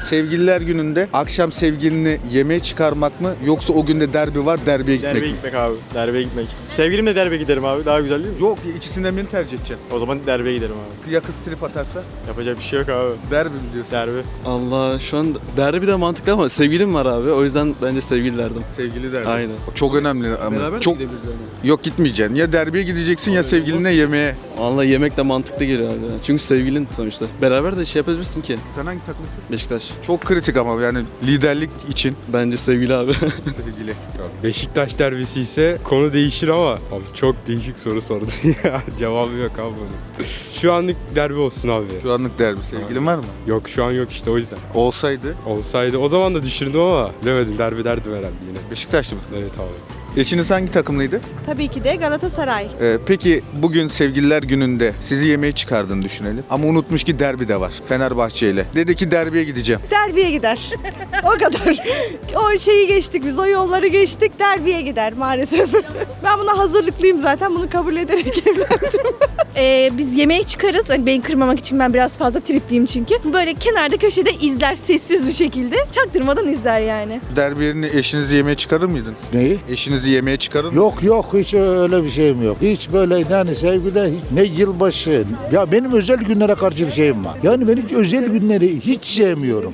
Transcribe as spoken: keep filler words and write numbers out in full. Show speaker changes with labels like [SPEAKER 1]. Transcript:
[SPEAKER 1] Sevgililer gününde akşam sevgilini yemeğe çıkarmak mı yoksa o günde derbi var derbiye gitmek
[SPEAKER 2] Derbe
[SPEAKER 1] mi?
[SPEAKER 2] gitmek abi. Derbe gitmek. Sevgilimle derbe giderim abi. Daha güzel değil mi?
[SPEAKER 1] Yok, ikisinden birini tercih edeceksin.
[SPEAKER 2] O zaman derbe giderim abi.
[SPEAKER 1] Ya kız trip atarsa?
[SPEAKER 2] Yapacak bir şey yok abi.
[SPEAKER 1] Derbi mi diyorsun?
[SPEAKER 2] Derbe.
[SPEAKER 3] Allah şu an derbi de mantıklı ama sevgilim var abi. O yüzden bence sevgili derdim.
[SPEAKER 1] Sevgili derbi.
[SPEAKER 3] Aynen.
[SPEAKER 1] Çok önemli ama.
[SPEAKER 3] Beraber
[SPEAKER 1] çok
[SPEAKER 3] de gidebiliriz yani.
[SPEAKER 1] Yok, gitmeyeceksin. Ya derbiye gideceksin ya sevgilinle yemeğe.
[SPEAKER 3] Vallahi yemek de mantıklı geliyor abi. Çünkü sevgilin sonuçta. Beraber de şey yapabilirsin ki.
[SPEAKER 1] Sen hangi takımsın?
[SPEAKER 3] Beşiktaş.
[SPEAKER 1] Çok kritik ama yani liderlik için
[SPEAKER 3] Bence sevgili abi.
[SPEAKER 1] sevgili.
[SPEAKER 4] Beşiktaş derbisi ise konu değişir ama abi çok değişik soru sordu ya. Cevabı yok abi bunun. Şu anlık derbi olsun abi.
[SPEAKER 1] Şu anlık derbi. Sevgilin var mı?
[SPEAKER 4] Yok şu an yok işte o yüzden.
[SPEAKER 1] Olsaydı
[SPEAKER 4] Olsaydı o zaman da düşürdüm ama bilemedim derbi derdim herhalde yine.
[SPEAKER 1] Beşiktaşlı mısın?
[SPEAKER 4] Evet abi.
[SPEAKER 1] Eşiniz hangi takımlıydı?
[SPEAKER 5] Tabii ki de Galatasaray.
[SPEAKER 1] Ee, peki bugün sevgililer gününde sizi yemeğe çıkardığını düşünelim. Ama unutmuş ki derbi de var Fenerbahçe ile. Dedi ki derbiye gideceğim.
[SPEAKER 5] Derbiye gider. O kadar. O şeyi geçtik biz, o yolları geçtik. Derbiye gider maalesef. Ben buna hazırlıklıyım zaten. Bunu kabul ederek evlendim.
[SPEAKER 6] Ee, biz yemeğe çıkarız. Hani beni kırmamak için ben biraz fazla tripliyim çünkü. Böyle kenarda köşede izler sessiz bir şekilde. Çaktırmadan izler yani.
[SPEAKER 1] Derbi yerine eşinizi yemeğe çıkarır mıydınız?
[SPEAKER 7] Neyi?
[SPEAKER 1] Eşinizi yemeğe çıkarır mı?
[SPEAKER 7] Yok yok hiç öyle bir şeyim yok. Hiç böyle yani sevgide hiç, ne yılbaşı. Ya benim özel günlere karşı bir şeyim var. Yani ben hiç özel günleri hiç sevmiyorum.